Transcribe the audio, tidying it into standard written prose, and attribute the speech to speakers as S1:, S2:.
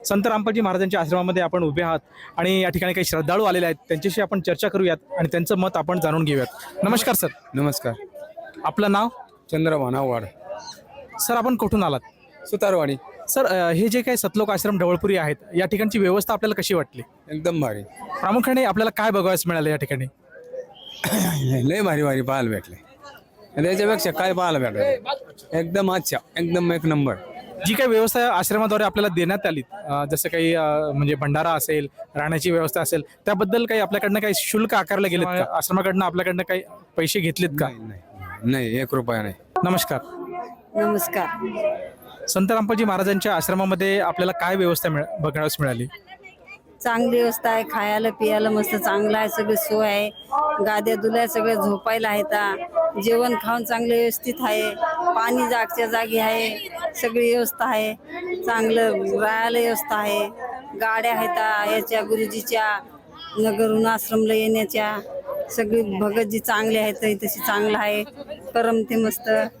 S1: संत रामपालजी महाराजांच्या आश्रमामध्ये आपण उभे आहात आणि या ठिकाणी काही श्रद्धाळू आलेले आहेत, त्यांच्याशी आपण चर्चा करूयात आणि त्यांचं मत आपण जाणून घेऊयात. नमस्कार सर.
S2: नमस्कार.
S1: आपलं नाव?
S2: चंद्रभाना वाड,
S1: सर आपण कुठून आलात?
S2: सुतारवाडी.
S1: सर हे जे काही सतलोक आश्रम ढवळपुरी आहेत या ठिकाणची व्यवस्था आपल्याला कशी वाटली?
S2: एकदम भारी.
S1: प्रामुख्याने आपल्याला काय बघायला मिळालं या ठिकाणी?
S2: लय भारी भारी पाहायला भेटले. त्याच्यापेक्षा काय पाहायला भेटलं? एकदम अच्छा, एकदम एक नंबर.
S1: जी काही व्यवस्था आश्रमाद्वारे आपल्याला देण्यात आली, जसं काही म्हणजे भंडारा असेल, राहण्याची व्यवस्था असेल, त्याबद्दल काही आपल्याकडनं काही शुल्क आकारले गेलेत का? आश्रमाकडनं आपल्याकडनं काही पैसे घेतलेत का?
S2: नाही, 1 रुपया नाही.
S1: नमस्कार.
S3: नमस्कार.
S1: संत रामपालजी महाराजांच्या आश्रमामध्ये आपल्याला काय व्यवस्था बघण्यास मिळाली?
S3: चांगली व्यवस्था आहे, खायला पियाला मस्त चांगलं आहे, सगळी सोय आहे, गाद्या दुल्या सगळे झोपायला आहेत, जेवण खाऊन चांगलं व्यवस्थित आहे, पाणी जागच्या जागी आहे, सगळी व्यवस्था आहे, चांगलं राहायला व्यवस्था आहे, गाड्या आहेत याच्या गुरुजीच्या नगरहून आश्रमला येण्याच्या, सगळी भगतजी चांगले आहेत, तशी चांगलं आहे, करमते मस्त.